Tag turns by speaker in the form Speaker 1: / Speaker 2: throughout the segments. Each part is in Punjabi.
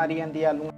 Speaker 1: ਮਾਰੀ ਜਾਂਦੀ ਆਲੂ।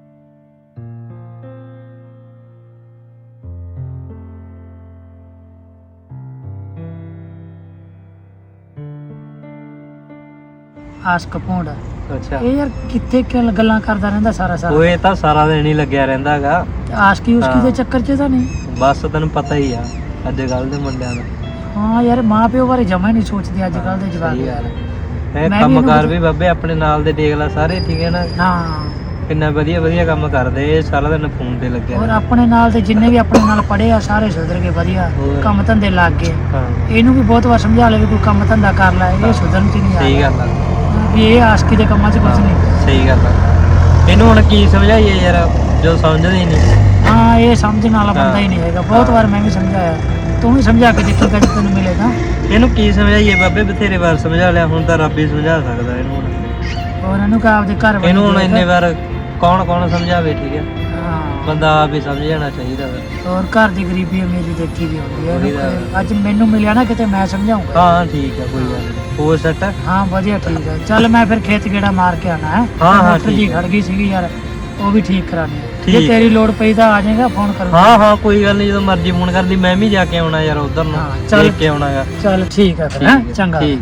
Speaker 2: ਆਸ਼ਕ ਭੌਂਡ
Speaker 3: ਅੱਛਾ
Speaker 2: ਇਹ ਯਾਰ ਕਿੱਥੇ ਗੱਲਾਂ ਕਰਦਾ ਰਹਿੰਦਾ ਸਾਰਾ ਸਾਰਾ।
Speaker 3: ਉਹ ਇਹ ਤਾਂ ਸਾਰਾ ਦਿਨ ਹੀ ਲੱਗਿਆ ਰਹਿੰਦਾ ਹੈਗਾ।
Speaker 2: ਆਸ਼ਕੀ ਉਸਕੀ ਦੇ ਚੱਕਰ 'ਚ ਤਾਂ ਨਹੀਂ।
Speaker 3: ਬਸ ਤੈਨੂੰ ਪਤਾ ਹੀ ਆ ਅੱਜ ਕੱਲ ਦੇ ਮੁੰਡਿਆਂ ਦਾ।
Speaker 2: ਹਾਂ ਯਾਰ ਮਾਂ ਪਿਓ ਬਾਰੇ ਜਮਾ ਹੀ ਨਹੀਂ ਸੋਚਦੇ ਅੱਜ ਕੱਲ ਦੇ ਜਵਾਕ ਯਾਰ।
Speaker 3: ਇਹ
Speaker 2: ਮੈਂ ਵੀ
Speaker 3: ਕੰਮ ਕਾਰ
Speaker 2: ਇਹਨੂੰ
Speaker 3: ਵੀ ਬਾਬੇ ਆਪਣੇ ਨਾਲ ਦੇ ਦੇਖ ਲੈ ਸਾਰੇ ਠੀਕ ਹੈ ਨਾ।
Speaker 2: ਹਾਂ
Speaker 3: ਕਿੰਨਾ ਵਧੀਆ ਵਧੀਆ ਕੰਮ ਕਰਦੇ। ਇਹ ਸਾਰਾ ਦਿਨ ਫੋਨ ਤੇ ਲੱਗਿਆ
Speaker 2: ਔਰ
Speaker 3: ਰਹਿੰਦਾ।
Speaker 2: ਆਪਣੇ ਨਾਲ ਦੇ ਜਿੰਨੇ ਵੀ ਆਪਣੇ ਨਾਲ ਪੜ੍ਹੇ ਆ ਸਾਰੇ ਸੁਧਰ ਗਏ ਵਧੀਆ
Speaker 3: ਹੋਰ।
Speaker 2: ਕੰਮ ਧੰਦੇ ਲੱਗ ਗਏ।
Speaker 3: ਹਾਂ
Speaker 2: ਇਹਨੂੰ ਵੀ ਬਹੁਤ ਵਾਰ ਸਮਝਾ ਲਿਆ ਵੀ ਕੋਈ ਕੰਮ ਧੰਦਾ ਕਰ ਲੈ ਇਹ ਸੁਧਰਨ 'ਚ ਨਹੀਂ ਆ
Speaker 3: ਸਹੀ ਗੱਲ ਆ
Speaker 2: ਵੀ ਇਹ ਆਸ਼ਕੀ ਦੇ ਕੰਮਾਂ 'ਚ ਕੁਝ ਨਹੀਂ।
Speaker 3: ਸਹੀ ਗੱਲ ਆ। ਇਹਨੂੰ ਹੁਣ ਕੀ ਸਮਝਾਈਏ ਯਾਰ ਜੋ ਸਮਝਦੇ ਹੀ ਨਹੀਂ।
Speaker 2: ਹਾਂ ਇਹ ਸਮਝਣ ਵਾਲਾ ਬੰਦਾ ਹੀ ਨਹੀਂ ਹੈਗਾ। ਬਹੁਤ ਵਾਰ ਮੈਂ ਵੀ ਸਮਝਾਇਆ ਤੂੰ ਵੀ ਸਮਝਾ ਕੇ ਦੇਖੀ ਕਦੇ ਤੈਨੂੰ ਮਿਲੇਗਾ।
Speaker 3: ਇਹਨੂੰ ਕੀ ਸਮਝਾਈਏ ਬਾਬੇ ਬਥੇਰੇ ਵਾਰ ਸਮਝਾ ਲਿਆ ਹੁਣ ਤਾਂ ਰੱਬ ਹੀ ਸਮਝਾ ਸਕਦਾ ਇਹਨੂੰ ਹੁਣ।
Speaker 2: ਔਰ ਇਹਨੂੰ ਕਹ ਆਪਦੇ ਘਰ
Speaker 3: ਇਹਨੂੰ ਹੁਣ ਇੰਨੇ ਵਾਰ ਕੌਣ ਸਮਝਾਵੇ ਠੀਕ ਹੈ।
Speaker 2: ਹਾਂ
Speaker 3: ਬੰਦਾ ਆਪ ਹੀ ਸਮਝ ਜਾਣਾ ਚਾਹੀਦਾ ਵਾ।
Speaker 2: ਔਰ ਘਰ ਦੀ ਗਰੀਬੀ ਅਮੀਰੀ ਦੇਖੀ ਦੀ ਹੁੰਦੀ ਹੈ
Speaker 3: ਉਹੀ
Speaker 2: ਇਹਨੂੰ
Speaker 3: ਤਾਂ।
Speaker 2: ਅੱਜ ਮੈਨੂੰ ਮਿਲਿਆ ਨਾ ਕਿਤੇ ਮੈਂ ਸਮਝਾਉਂਗਾ।
Speaker 3: ਹਾਂ ਠੀਕ ਆ ਕੋਈ ਗੱਲ ਨਹੀਂ। ਹੋਰ ਸੱਟ
Speaker 2: ਹਾਂ ਵਧੀਆ ਠੀਕ ਹੈ ਚੱਲ ਮੈਂ ਫਿਰ ਖੇਤ ਗੇੜਾ ਮਾਰ ਕੇ ਆਣਾ ਹੈ।
Speaker 3: ਹਾਂ,
Speaker 2: ਮੋਟਰ ਜੀ
Speaker 3: ਠੀਕ ਹੈ।
Speaker 2: ਖੜ ਗਈ ਸੀਗੀ ਯਾਰ ਉਹ ਵੀ ਠੀਕ ਕਰਾਣੀ ਹੈ। ਜੇ
Speaker 3: ਠੀਕ
Speaker 2: ਤੇਰੀ ਲੋੜ ਪਈ ਤਾਂ ਆ ਜਾਏਗਾ ਫੋਨ ਕਰੂੰ।
Speaker 3: ਹਾਂ ਕੋਈ ਗੱਲ ਨਹੀਂ ਜਦੋਂ ਮਰਜ਼ੀ ਫੋਨ ਕਰਦੀ ਮੈਂ ਵੀ ਜਾ ਕੇ ਆਉਣਾ ਯਾਰ ਉਧਰ ਨੂੰ
Speaker 2: ਹਾਂ, ਚੱਲ।
Speaker 3: ਦੇਖ ਕੇ ਆਉਣਾਗਾ।
Speaker 2: ਚੱਲ ਠੀਕ ਹੈ ਫਿਰ ਹੈਂ ਚੰਗਾ
Speaker 3: ਠੀਕ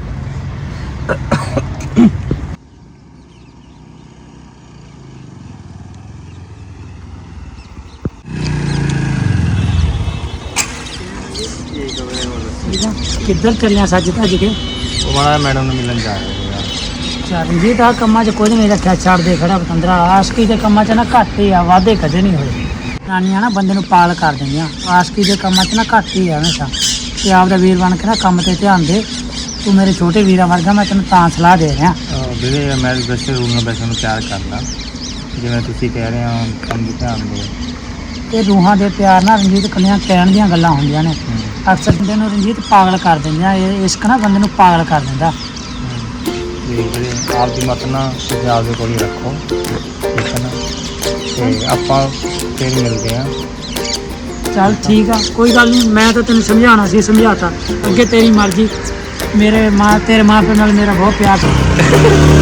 Speaker 2: ਕਿੱਧਰ ਚੱਲਿਆ ਸੱਜ ਭੱਜ ਕੇ।
Speaker 3: ਉਹ ਮਾੜਾ ਮੈਡਮ ਨੂੰ ਮਿਲਣ ਜਾ ਰਹੇ
Speaker 2: ਚੱਲ ਜੀ ਤਾਂ ਕੰਮਾਂ 'ਚ ਕੁਝ ਨਹੀਂ ਰੱਖਿਆ ਛੱਡ ਦੇ ਖੜਾ ਪਤੰਦਰਾ। ਆਸ਼ਕੀ ਦੇ ਕੰਮਾਂ 'ਚ ਨਾ ਘੱਟ ਹੀ ਆ ਵਾਧੇ ਕਦੇ ਨਹੀਂ ਹੋਏ। ਨਾਨੀਆਂ ਨਾ ਬੰਦੇ ਨੂੰ ਪਾਲ ਕਰ ਦਿੰਦੀਆਂ। ਆਸ਼ਕੀ ਦੇ ਕੰਮਾਂ 'ਚ ਨਾ ਘੱਟ ਹੀ ਆ ਹਮੇਸ਼ਾ। ਤੇ ਆਪਦਾ ਵੀਰ ਬਣ ਕੇ ਨਾ ਕੰਮ ਤੇ ਧਿਆਨ ਦੇ। ਤੂੰ ਮੇਰੇ ਛੋਟੇ ਵੀਰਾਂ ਵਰਗਾ ਮੈਂ ਤੈਨੂੰ ਤਾਂ ਸਲਾਹ ਦੇ ਰਿਹਾ।
Speaker 3: ਵੀਰੇ ਮੈਂ ਵੈਸੇ ਰੂਲ ਨਾਲ ਵੈਸੇ ਨੂੰ ਪਿਆਰ ਕਰਦਾ ਜਿਵੇਂ ਤੁਸੀਂ ਕਹਿ ਰਹੇ ਹੋ ਕੰਮ ਦੀ ਧਿਆਨ ਦਿਓ।
Speaker 2: ਇਹ ਰੂਹਾਂ ਦੇ ਪਿਆਰ ਨਾਲ ਰਣਜੀਤ ਕੱਲੀਆਂ ਕਹਿਣ ਦੀਆਂ ਗੱਲਾਂ ਹੁੰਦੀਆਂ ਨੇ। ਅਕਸਰ ਬੰਦੇ ਨੂੰ ਰਣਜੀਤ ਪਾਗਲ ਕਰ ਦਿੰਦੀਆਂ। ਇਹ ਇਸ਼ਕ ਨਾ ਬੰਦੇ ਨੂੰ ਪਾਗਲ ਕਰ ਦਿੰਦਾ।
Speaker 3: ਵੀਰੇ ਆਪ ਦੀ ਮਤ ਨਾ ਤੁਸੀਂ ਆਪਦੇ ਕੋਲ ਹੀ ਰੱਖੋ ਠੀਕ ਹੈ ਨਾ। ਤੇ ਆਪਾਂ ਫਿਰ ਮਿਲਦੇ ਹਾਂ।
Speaker 2: ਚੱਲ ਠੀਕ ਆ ਕੋਈ ਗੱਲ ਨਹੀਂ। ਮੈਂ ਤਾਂ ਤੈਨੂੰ ਸਮਝਾਉਣਾ ਸੀ ਸਮਝਾਤਾ। ਅੱਗੇ ਤੇਰੀ ਮਰਜ਼ੀ। ਤੇਰੇ ਮਾਂ ਪਿਓ ਨਾਲ ਮੇਰਾ ਬਹੁਤ ਪਿਆਰ ਸੀ।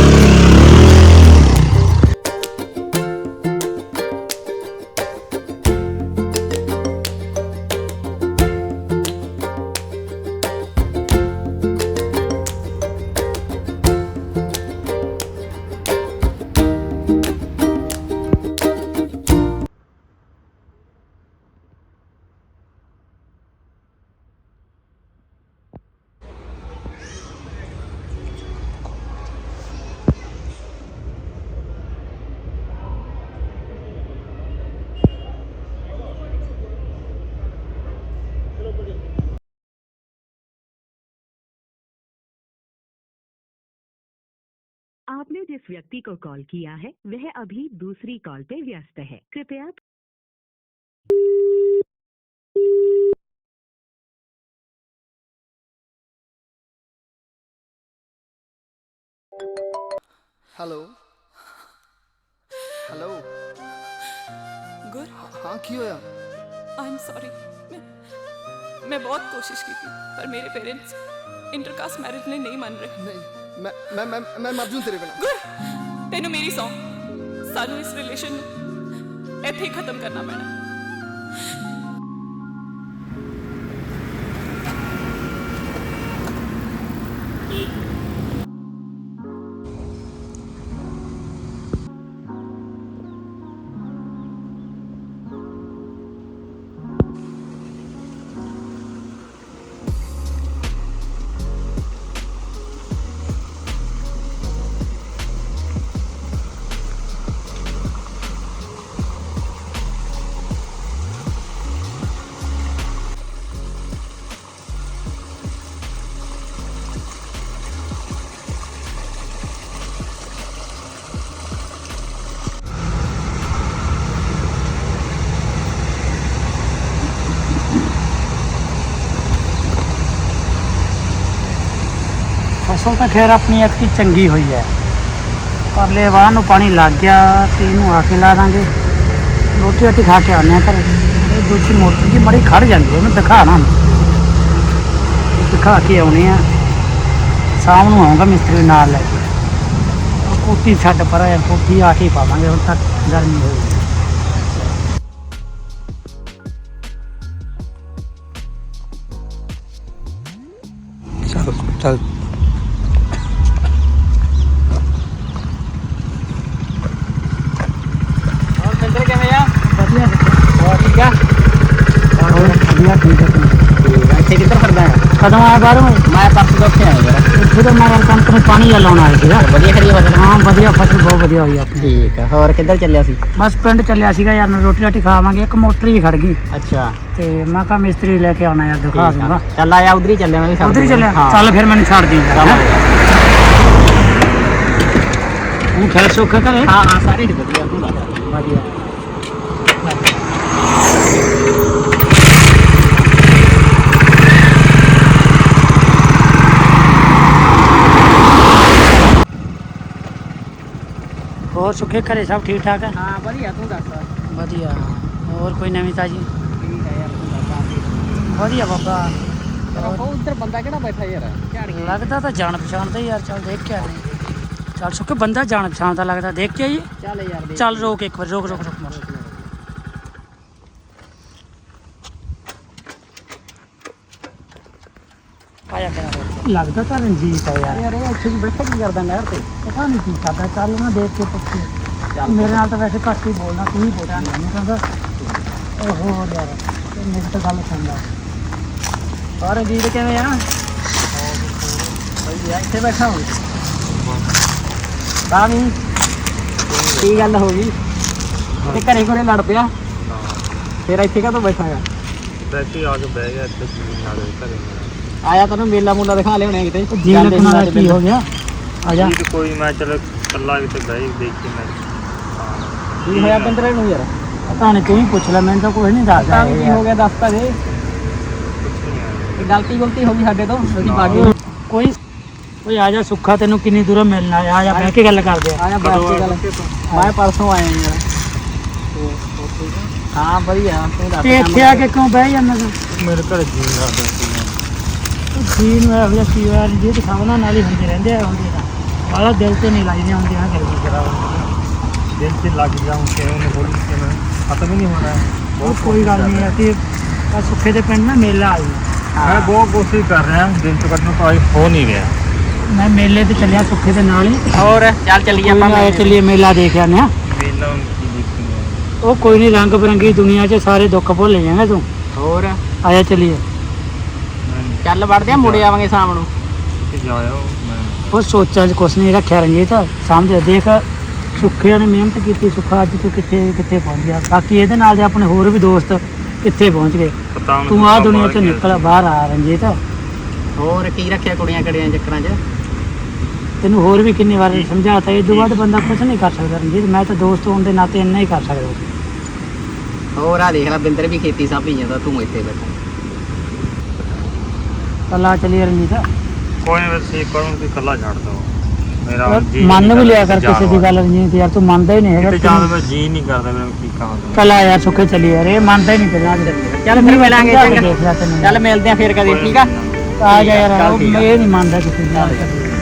Speaker 4: आपने जिस व्यक्ति को कॉल किया है वह अभी दूसरी कॉल पे व्यस्त है। कृपया
Speaker 5: हेलो हेलो
Speaker 6: गुर
Speaker 5: हाँ की होया?
Speaker 6: I am sorry. मैं बहुत कोशिश की थी पर मेरे पेरेंट्स इंटरकास्ट मैरिज में नहीं मान रहे।
Speaker 5: नहीं मैं मर जूं तेरे बिना।
Speaker 6: गुर तेनू मेरी सौ सानू इस रिलेशन ਇੱਥੇ ਹੀ ਖਤਮ ਕਰਨਾ ਪੈਣਾ।
Speaker 2: ਫਸਲ ਤਾਂ ਖੈਰ ਆਪਣੀ ਐਤਕੀ ਚੰਗੀ ਹੋਈ ਹੈ। ਪਰਲੇ ਵਾਹ ਨੂੰ ਪਾਣੀ ਲੱਗ ਗਿਆ ਤੇ ਇਹਨੂੰ ਆ ਕੇ ਲਾ ਦਾਂਗੇ। ਰੋਟੀ ਰਾਟੀ ਖਾ ਕੇ ਆਉਂਦੇ ਹਾਂ ਘਰੇ। ਇਹ ਦੂਜੀ ਮੋਟਰ ਦੀ ਮੜੀ ਖੜ ਜਾਂਦੀ ਹੈ ਉਹਨੂੰ ਦਿਖਾ ਨਾ ਦਿਖਾ ਕੇ ਆਉਣੇ ਆ। ਸ਼ਾਮ ਨੂੰ ਆਉਂਗਾ ਮਿਸਤਰੀ ਨਾਲ ਲੈ ਕੇ। ਕੋਟੀ ਛੱਡ ਪਰ ਕੋਟੀ ਆ ਕੇ ਪਾਵਾਂਗੇ ਹੁਣ ਤੱਕ ਗਰਮੀ ਹੋਈ।
Speaker 3: ਚੱਲ ਚੱਲ
Speaker 2: ਹੋਰ ਬਿੰਦਰ ਕਿਵੇਂ ਆ? ਵਧੀਆ ਹੋਰ ਠੀਕ ਆ? ਹੋਰ ਵਧੀਆ ਠੀਕ ਆ।
Speaker 1: ਇੱਥੇ ਕਿੱਧਰ ਫਿਰਦਾ ਹੈ?
Speaker 2: ਕਦੋਂ ਆਇਆ ਬਾਹਰੋਂ?
Speaker 1: ਮੈਂ ਪਰਸੋਂ ਤੋਂ ਉੱਥੇ ਆਇਆ ਯਾਰ।
Speaker 2: ਇੱਥੇ ਤਾਂ ਮੈਂ ਕਣਕ ਨੂੰ ਪਾਣੀ ਜਿਹਾ ਲਾਉਣ ਆਇਆ ਸੀਗਾ।
Speaker 1: ਵਧੀਆ ਖੜੀ ਫਸਲ?
Speaker 2: ਹਾਂ ਵਧੀਆ, ਫਸਲ ਬਹੁਤ ਵਧੀਆ ਹੋਈ ਆਪਣੀ।
Speaker 1: ਠੀਕ ਆ। ਹੋਰ ਕਿੱਧਰ ਚੱਲਿਆ ਸੀ?
Speaker 2: ਬਸ ਪਿੰਡ ਚੱਲਿਆ ਸੀਗਾ ਯਾਰ, ਰੋਟੀ ਰਾਟੀ ਖਾਵਾਂਗੇ। ਇੱਕ ਮੋਟਰ ਵੀ ਖੜ ਗਈ
Speaker 1: ਅੱਛਾ
Speaker 2: ਤੇ ਮੈਂ ਕਿਹਾ ਮਿਸਤਰੀ ਲੈ ਕੇ ਆਉਣਾ ਯਾਰ, ਦਿਖਾ
Speaker 1: ਠੀਕ
Speaker 2: ਦੂੰਗਾ।
Speaker 1: ਆ। ਚੱਲ ਆਇਆ ਉਧਰ ਹੀ ਚੱਲਿਆ, ਮੈਂ ਵੀ
Speaker 2: ਉਧਰ ਹੀ ਚੱਲਿਆ?
Speaker 1: ਹਾਂ।
Speaker 2: ਚੱਲ ਫਿਰ ਮੈਨੂੰ ਛੱਡ ਦੀ
Speaker 1: ਚੱਲ।
Speaker 2: ਉਹ ਖੈਰ ਸੁੱਖ ਘਰੇ?
Speaker 1: ਹਾਂ ਹਾਂ ਸਾਰੇ ਵਧੀਆ, ਤੂੰ ਦੱਸ?
Speaker 2: ਵਧੀਆ। ਹੋਰ ਸੁੱਖੇ ਘਰੇ ਸਭ ਠੀਕ ਠਾਕ ਹੈ?
Speaker 1: ਹਾਂ ਵਧੀਆ, ਤੂੰ ਦੱਸ?
Speaker 2: ਵਧੀਆ। ਹੋਰ ਕੋਈ ਨਵੀਂ ਤਾਜੀ?
Speaker 1: ਠੀਕ ਆ ਯਾਰ, ਤੂੰ ਦੱਸ?
Speaker 2: ਵਧੀਆ ਬਾਬਾ।
Speaker 1: ਉਹ ਉਧਰ ਬੰਦਾ ਕਿਹੜਾ ਬੈਠਾ ਯਾਰ? ਝਾੜੀਆਂ
Speaker 2: ਲੱਗਦਾ ਤਾਂ ਜਾਣ ਪਛਾਣ ਦਾ ਹੀ ਯਾਰ, ਚੱਲ ਦੇਖ ਕੇ ਆਨੇ। ਚੱਲ ਸੁੱਕੇ ਬੰਦਾ ਜਾਣ ਪਛਾਣ ਦਾ ਲੱਗਦਾ, ਦੇਖ ਕੇ ਆਈਏ।
Speaker 1: ਚੱਲ ਯਾਰ ਦੇਖ।
Speaker 2: ਚੱਲ ਰੋਕ ਇੱਕ ਵਾਰ, ਰੋਕ ਰੋਕ ਰੋਕ ਮਾਰ। ਆਇਆ ਕਿਹੜਾ ਲੱਗਦਾ ਤਾਂ ਰਣਜੀਤ ਆ ਯਾਰ।
Speaker 1: ਯਾਰ ਇਹ ਇੱਥੇ ਵੀ ਬੈਠਾ ਕੀ ਕਰਦਾ ਨਹਿਰ ਤੇ?
Speaker 2: ਪਤਾ ਨਹੀਂ ਕੀ ਕਰਦਾ। ਚੱਲ ਨਾ ਦੇਖ ਕੇ ਪੁੱਛੀ। ਮੇਰੇ ਨਾਲ ਤਾਂ ਵੈਸੇ ਘੱਟ ਹੀ ਬੋਲਣਾ, ਤੂੰ ਹੀ ਬੋਲਦਾ ਨਹੀਂ ਕਹਿੰਦਾ। ਓਹੋ ਯਾਰ ਮੇਰੀ ਤਾਂ ਗੱਲ ਸੁਣਦਾ।
Speaker 1: ਹੋਰ ਰਣਜੀਤ ਕਿਵੇਂ ਆ? ਵਧੀਆ, ਇੱਥੇ ਬੈਠਾ ਹੋ? ਤਾਂ ਵੀ ਕੀ ਗੱਲ ਹੋ ਗਈ? ਤੇ ਘਰੇ ਘਰੇ ਲੜ ਪਿਆ? ਫਿਰ ਇੱਥੇ ਕਾਹਤੋਂ ਬੈਠਾ ਆ?
Speaker 3: ਵੈਸੇ ਆ ਕੇ ਬਹਿ ਗਿਆ ਇੱਥੇ ਨਾਲ ਘਰੇ।
Speaker 1: ਆਇਆ ਤੈਨੂੰ ਮੇਲਾ ਮੂਲਾ ਦਿਖਾ ਲਿਆਉਣੇ ਕਿਤੇ?
Speaker 2: ਜੀ ਰੱਖਣ ਵਾਲਾ ਕੀ ਹੋ ਗਿਆ? ਆ ਜਾ।
Speaker 3: ਜੀ ਕੋਈ ਮੈਂ ਚਲ ਕੱਲਾ ਕਿਤੇ ਬਹਿ ਦੇਖ ਕੇ ਮੈਂ
Speaker 1: ਕੀ ਹੋਇਆ ਬਿੰਦਰੇ ਨੂੰ ਯਾਰ?
Speaker 2: ਪਤਾ ਨਹੀਂ, ਤੂੰ ਹੀ ਪੁੱਛ ਲੈ, ਮੈਨੂੰ ਤਾਂ ਕੁਝ ਨਹੀਂ ਦੱਸਦਾ।
Speaker 1: ਤਾਂ ਵੀ ਕੀ ਹੋ ਗਿਆ ਦੱਸ ਤਾਂ ਦੇ। ਇਹ ਗਲਤੀ ਹੋ ਗਈ ਸਾਡੇ ਤੋਂ, ਅਸੀਂ ਬਾਗੀ।
Speaker 2: ਕੋਈ ਓਏ ਆ ਜਾ ਸੁੱਖਾ, ਤੈਨੂੰ ਕਿੰਨੀ ਦੂਰੋਂ ਮਿਲਣਾ ਆ। ਜਾ ਬਹਿ ਕੇ ਗੱਲ ਕਰਦੇ ਆ।
Speaker 1: ਆਇਆ ਬਾਤ ਦੀ ਗੱਲ। ਮੈਂ ਪਰਸੋਂ ਆਇਆ ਯਾਰ। ਹਾਂ ਵਧੀਆ, ਤੂੰ ਦੱਸ?
Speaker 2: ਤੇ ਇੱਥੇ ਆ ਕੇ ਕਿਉਂ ਬਹਿ ਜਾਂਦਾ ਤੂੰ?
Speaker 3: ਮੇਰੇ ਘਰੇ ਜੀ ਲੱਗਦਾ ਸੀ।
Speaker 2: ਜੀ ਨੂੰ ਇਹੋ ਜਿਹਾ ਕੀ ਹੋਇਆ? ਜੀ ਤੇ ਸਾਹਮਣਾ ਨਾਲ ਹੀ ਹੁੰਦੇ ਰਹਿੰਦੇ ਆ, ਹੁੰਦੇ ਤਾਂ ਵਾਲਾ ਦਿਲ ਤੇ ਨਹੀਂ ਲਾਈਦੇ ਹੁੰਦੇ ਆ। ਗੱਲ ਕੀ ਕਰਾਂ,
Speaker 3: ਦਿਲ ਤੇ ਲੱਗ ਗਿਆ ਹੁਣ ਕਿ ਉਹਨੇ ਬੋਲੀ ਕਿ ਮੈਂ ਖਤਮ ਹੀ ਨਹੀਂ ਹੋਣਾ।
Speaker 2: ਉਹ ਕੋਈ ਗੱਲ ਨਹੀਂ। ਅਸੀਂ ਆ ਸੁੱਖੇ ਦੇ ਪਿੰਡ ਨਾ ਮੇਲਾ ਆਈ।
Speaker 3: ਮੈਂ ਬਹੁਤ ਕੋਸ਼ਿਸ਼ ਕਰ ਰਿਹਾ ਦਿਨ ਤੋਂ ਕੱਢਣ ਕੋਈ ਹੋ ਨਹੀਂ ਰਿਹਾ।
Speaker 2: ਮੈਂ ਮੇਲੇ ਤੇ ਚੱਲਿਆ ਸੁੱਖੇ ਦੇ ਨਾਲ ਹੀ।
Speaker 1: ਹੋਰ ਚੱਲ ਚੱਲੀਏ ਆਪਾਂ।
Speaker 2: ਆਏ ਚੱਲੀਏ ਮੇਲਾ ਦੇਖ ਆਨੇ ਆ।
Speaker 3: ਮੇਲਾ ਕੀ ਦੇਖਣੀ
Speaker 2: ਉਹ ਕੋਈ ਨਹੀਂ, ਰੰਗ ਬਰੰਗੀ ਦੁਨੀਆ 'ਚ ਸਾਰੇ ਦੁੱਖ ਭੁੱਲ ਜਾਏਗਾ ਤੂੰ।
Speaker 1: ਹੋਰ
Speaker 2: ਆਇਆ ਚੱਲੀਏ।
Speaker 1: ਚੱਲ ਵੜਦੇ ਆ, ਮੁੜੇ ਆਵਾਂਗੇ ਸ਼ਾਮ ਨੂੰ।
Speaker 3: ਕਿ ਜਾਇਓ ਮੈਂ
Speaker 2: ਉਹ ਸੋਚਾਂ 'ਚ ਕੁਛ ਨਹੀਂ ਰੱਖਿਆ ਰਣਜੀਤ, ਸਮਝ ਦੇਖ। ਸੁੱਖਿਆਂ ਨੇ ਮਿਹਨਤ ਕੀਤੀ, ਸੁੱਖਾ ਅੱਜ ਤੂੰ ਕਿੱਥੇ ਕਿੱਥੇ ਪਹੁੰਚ ਗਿਆ। ਬਾਕੀ ਇਹਦੇ ਨਾਲ ਦੇ ਆਪਣੇ ਹੋਰ ਵੀ ਦੋਸਤ ਕਿੱਥੇ ਪਹੁੰਚ ਗਏ।
Speaker 3: ਪਤਾ ਹੁਣ
Speaker 2: ਤੂੰ ਆਹ ਦੁਨੀਆ 'ਚ ਨਿਕਲ ਬਾਹਰ ਆ ਰਣਜੀਤ।
Speaker 1: ਹੋਰ ਕੀ ਰੱਖਿਆ ਕੁੜੀਆਂ ਕੜੀਆਂ ਚੱਕਰਾਂ 'ਚ?
Speaker 2: ਤੈਨੂੰ ਹੋਰ ਵੀ ਕਿੰਨੀ ਵਾਰ ਸਮਝਾਤਾ, ਇਹ ਤੋਂ ਬਾਅਦ ਬੰਦਾ ਕੁਛ ਨਹੀਂ ਕਰ ਸਕਦਾ ਰਣਜੀਤ। ਮੈਂ ਤਾਂ ਦੋਸਤ ਹੋਣ ਦੇ ਨਾਤੇ ਇੰਨਾ ਹੀ ਕਰ ਸਕਦਾ।
Speaker 1: ਹੋਰ ਆ ਦੇਖ ਲੈ, ਬਿੰਦਰ ਵੀ ਖੇਤੀ ਸਾਂਭੀ ਜਾਂਦਾ, ਤੂੰ ਇੱਥੇ ਬੈਠਾ।
Speaker 2: ਚੱਲ ਆ ਚੱਲੀਏ ਰਣਜੀਤ।
Speaker 3: ਕੋਈ ਨਹੀਂ ਵੈਸੇ ਕਰੂੰ ਕਿ ਕੱਲਾ ਛੱਡ ਦੋ ਮੇਰਾ
Speaker 2: ਯਾਰ
Speaker 3: ਜੀ
Speaker 2: ਮੰਨ
Speaker 3: ਨਹੀਂ
Speaker 2: ਵੀ ਲਿਆ
Speaker 3: ਕਰਦਾ
Speaker 2: ਕਰ ਕਿਸੇ ਦੀ ਗੱਲ ਰਣਜੀਤ ਯਾਰ, ਤੂੰ ਮੰਨਦਾ ਹੀ ਨਹੀਂ
Speaker 3: ਕਿਤੇ
Speaker 2: ਹੈਗਾ।
Speaker 3: ਜਾਣ ਦਾ ਜੀ ਨਹੀਂ ਕਰਦਾ ਮੈਨੂੰ ਕੀ ਕਹਾਂ ਤੈਨੂੰ।
Speaker 2: ਚੱਲ ਆ ਯਾਰ ਸੁੱਖੇ ਚੱਲੀਏ ਯਾਰ, ਇਹ ਮੰਨਦਾ ਹੀ ਨਹੀਂ ਪਹਿਲਾਂ।
Speaker 1: ਚੱਲ ਫਿਰ ਮਿਲਾਂਗੇ ਚੰਗਾ।
Speaker 2: ਦੇਖ ਲੈ ਤੈਨੂੰ।
Speaker 1: ਚੱਲ ਮਿਲਦੇ ਆ ਫਿਰ ਕਦੇ, ਠੀਕ ਆ?
Speaker 2: ਆ ਜਾ ਯਾਰ,
Speaker 1: ਚੱਲ
Speaker 2: ਉਹ
Speaker 1: ਠੀਕ ਆ।
Speaker 2: ਇਹ ਨਹੀਂ ਮੰਨਦਾ ਕਿਸੇ ਦੀ ਗੱਲ।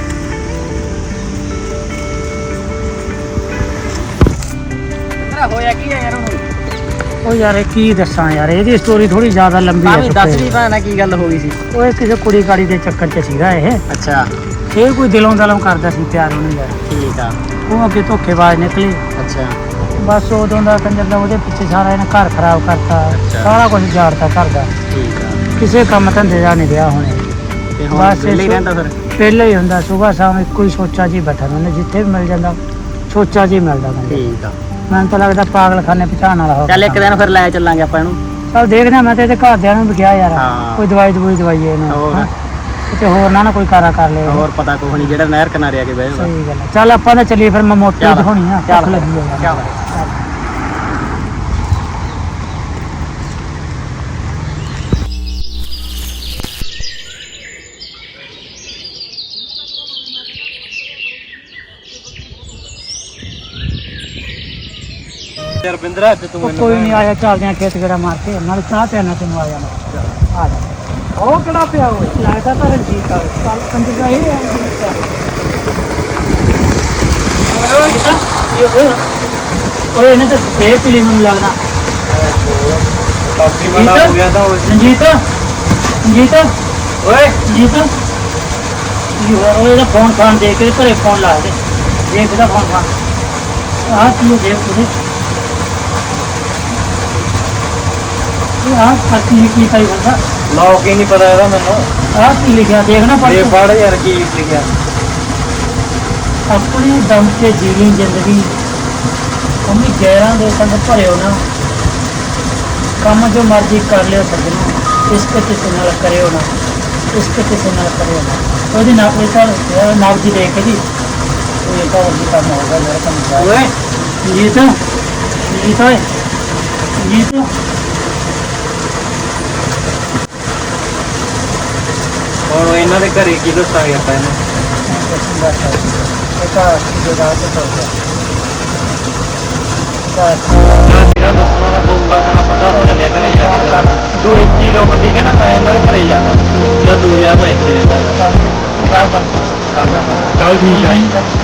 Speaker 1: ਤੇਰਾ ਹੋਇਆ ਕੀ ਆ ਯਾਰ ਹੁਣ?
Speaker 2: ਉਹ ਯਾਰ ਇਹ ਕੀ ਦੱਸਾਂ ਯਾਰ, ਇਹਦੀ ਸਟੋਰੀ ਥੋੜੀ ਜ਼ਿਆਦਾ ਲੰਬੀ
Speaker 1: ਤਾਂ
Speaker 2: ਹੈ
Speaker 1: ਵੀ
Speaker 2: ਸੁੱਖੇ
Speaker 1: ਦੱਸ ਵੀ
Speaker 2: ਦੀ।
Speaker 1: ਭੈਣਾ ਕੀ ਗੱਲ ਹੋ ਗਈ ਸੀ?
Speaker 2: ਉਹ ਕਿਸੇ ਕੁੜੀ ਕਾੜੀ ਦੇ ਚੱਕਰ 'ਚ ਸੀਗਾ ਇਹ।
Speaker 1: ਅੱਛਾ
Speaker 2: ਇਹ ਕੋਈ ਦਿਲੋਂ ਦਿਲੋਂ ਕਰਦਾ ਸੀ ਪਿਆਰ ਉਹਨੂੰ ਯਾਰ।
Speaker 1: ਠੀਕ ਆ।
Speaker 2: ਉਹ ਅੱਗੇ ਧੋਖੇਬਾਜ਼ ਨਿਕਲੀ।
Speaker 1: ਅੱਛਾ
Speaker 2: ਬਸ ਉਦੋਂ ਦਾ ਕੰਜਰ ਦਾ ਉਹਦੇ ਪਿੱਛੇ ਸਾਰਾ ਇਹਨੇ ਘਰ ਖਰਾਬ ਕਰਤਾ।
Speaker 1: ਅੱਛਾ।
Speaker 2: ਸਾਰਾ ਕੁਝ ਜਾੜਤਾ ਘਰ ਦਾ।
Speaker 1: ਠੀਕ ਆ।
Speaker 2: ਕਿਸੇ ਕੰਮ ਧੰਦੇ ਦਾ ਨਹੀਂ ਰਿਹਾ ਹੁਣ ਇਹ।
Speaker 1: ਤੇ ਹੁਣ
Speaker 2: ਬਸ
Speaker 1: ਵਿਹਲੇ ਹੀ ਰਹਿੰਦਾ ਫਿਰ?
Speaker 2: ਪਹਿਲਾਂ ਹੀ ਹੁੰਦਾ, ਸੁਬਾਹ ਸ਼ਾਮ ਇੱਕੋ ਹੀ ਸੋਚਾਂ 'ਚ ਹੀ ਬੈਠਾ ਰਹਿੰਦਾ। ਜਿੱਥੇ ਵੀ ਮਿਲ ਜਾਂਦਾ ਸੋਚਾਂ 'ਚ ਹੀ ਮਿਲਦਾ ਬੰਦਾ।
Speaker 1: ਠੀਕ ਆ।
Speaker 2: ਮੈਨੂੰ ਤਾਂ ਲੱਗਦਾ ਪਾਗਲਖਾਨੇ ਪਛਾਣ ਵਾਲਾ ਹੋ
Speaker 1: ਚੱਲ ਇੱਕ ਦਿਨ ਫਿਰ ਲੈ ਚੱਲਾਂਗੇ ਆਪਾਂ ਇਹਨੂੰ।
Speaker 2: ਚੱਲ ਦੇਖਦੇ ਹਾਂ। ਮੈਂ ਤੇ ਇਹਦੇ ਘਰਦਿਆਂ ਨੂੰ ਵੀ ਕਿਹਾ ਯਾਰ,
Speaker 1: ਹਾਂ।
Speaker 2: ਕੋਈ ਦਵਾਈਏ ਇਹਨੂੰ।
Speaker 1: ਹੋਰ।
Speaker 2: ਹੈਂ। ਕਿਤੇ ਹੋਰ ਨਾ ਕੋਈ ਕਾਰਾ ਕਰ ਲਿਆ।
Speaker 1: ਹੋਰ ਪਤਾ ਕੁਛ ਨਹੀਂ, ਜਿਹੜਾ ਨਹਿਰ ਕਿਨਾਰੇ ਆ ਕੇ ਬਹਿ ਜਾਂਦਾ।
Speaker 2: ਸਹੀ ਗੱਲ ਹੈ। ਚੱਲ ਆਪਾਂ ਤਾਂ ਚੱਲੀਏ ਫਿਰ, ਮੈਂ ਮੋਟਰ
Speaker 1: ਚੱਲ।
Speaker 2: ਦਿਖਾਉਣੀ ਆ।
Speaker 1: ਚੱਲ।
Speaker 2: ਭੁੱਖ ਲੱਗੀ ਆ ਯਾਰ।
Speaker 1: ਚੱਲ।
Speaker 3: ਯਾਰ ਬਿੰਦਰਾ ਅੱਜ ਤੂੰ
Speaker 2: ਉਹ ਕੋਈ ਨਹੀਂ ਆਇਆ, ਚੱਲਦੇ ਆ ਖੇਤ ਗੇੜਾ ਮਾਰ ਕੇ, ਨਾਲ ਚਾਹ ਪਿਆਣਾ ਤੈਨੂੰ ਆ ਜਾਣਾ। ਆ ਜਾ। ਉਹ ਕਿਹੜਾ ਪਿਆ ਹੋਇਆ? ਲੱਗਦਾ ਤਾਂ ਰਣਜੀਤ ਆ। ਚੱਲ ਕੰਜਰ ਦਾ ਇਹ ਆ। ਓਏ ਇਹਨੇ ਤਾਂ ਫੇਰ ਪੀਲੀ ਮੈਨੂੰ ਲੱਗਦਾ।
Speaker 3: ਕਾਫੀ ਬੜਾ ਹੋ ਗਿਆ ਤਾਂ ਉਹ
Speaker 2: ਰਣਜੀਤ ਰਣਜੀਤ
Speaker 3: ਓਏ
Speaker 2: ਰਣਜੀਤ ਕੀ ਹੋਇਆ? ਉਹ ਇਹਦਾ ਫੋਨ ਦੇ ਕੇ ਘਰੇ ਫੋਨ ਲਾ ਦੇ, ਦੇਖ ਇਹਦਾ ਫੋਨ ਆਹ ਕੀ ਹੋ ਦੇਖ ਉਹਦੇ ਆਹ ਕੀ ਕੀ ਪਾਈ ਬੰਦਾ
Speaker 3: ਲੋਕ ਹੀ ਨਹੀਂ ਪਤਾ ਇਹਦਾ ਮੈਨੂੰ।
Speaker 2: ਆਹ ਕੀ ਲਿਖਿਆ ਦੇਖਣਾ
Speaker 3: ਇਹ
Speaker 2: ਪੜ
Speaker 3: ਪੜ ਯਾਰ ਕੀ ਲਿਖਿਆ।
Speaker 2: ਆਪਣੀ ਦਮ ਤੇ ਜੀਵੀ ਜ਼ਿੰਦਗੀ ਅੰਮੀ ਗੈਰਾਂ ਦੇ ਸੰਗ ਭਰਿਓ ਨਾ, ਕੰਮ ਜੋ ਮਰਜ਼ੀ ਕਰ ਲਿਓ ਸੱਜਣੋ, ਇਸ਼ਕ ਕਿਸੇ ਨਾਲ ਕਰਿਓ ਨਾ, ਇਸ਼ਕ ਕਿਸੇ ਨਾਲ ਕਰਿਓ ਨਾ। ਉਹਦੀ ਨਾ ਕੋਈ ਤਾਂ ਨਾਮ ਜੀ ਦੇਖ ਜੀ ਇਹ ਤਾਂ ਉਹਦੀ ਕੰਮ ਹੋਗਾ ਜਿਹੜਾ ਕੰਮ
Speaker 3: ਓਏ
Speaker 2: ਜੀਤ ਜੀਤ ਓਏ ਜੀਤ
Speaker 3: ਹੁਣ ਇਹਨਾਂ ਦੇ ਘਰੇ ਕੀ ਦੱਸਾਂਗੇ ਆਪਾਂ ਇਹਨੂੰ। ਤੇਰਾ ਦੱਸਣਾ ਦਾ ਪਊਗਾ ਨਾ, ਪਤਾ ਹੋ ਚੱਲਿਆ ਘਰੇ ਜਾ ਕੇ। ਤੂੰ ਇੱਕੀ ਲੋਕ ਠੀਕ ਹੈ ਨਾ, ਮੈਂ ਇਹਨਾਂ ਦੇ ਘਰੇ ਜਾਣਾ। ਜਾਂ ਤੂੰ ਯਾਰ ਮੈਂ ਇੱਥੇ ਰਹਿੰਦਾ। ਚੱਲ ਠੀਕ ਹੈ।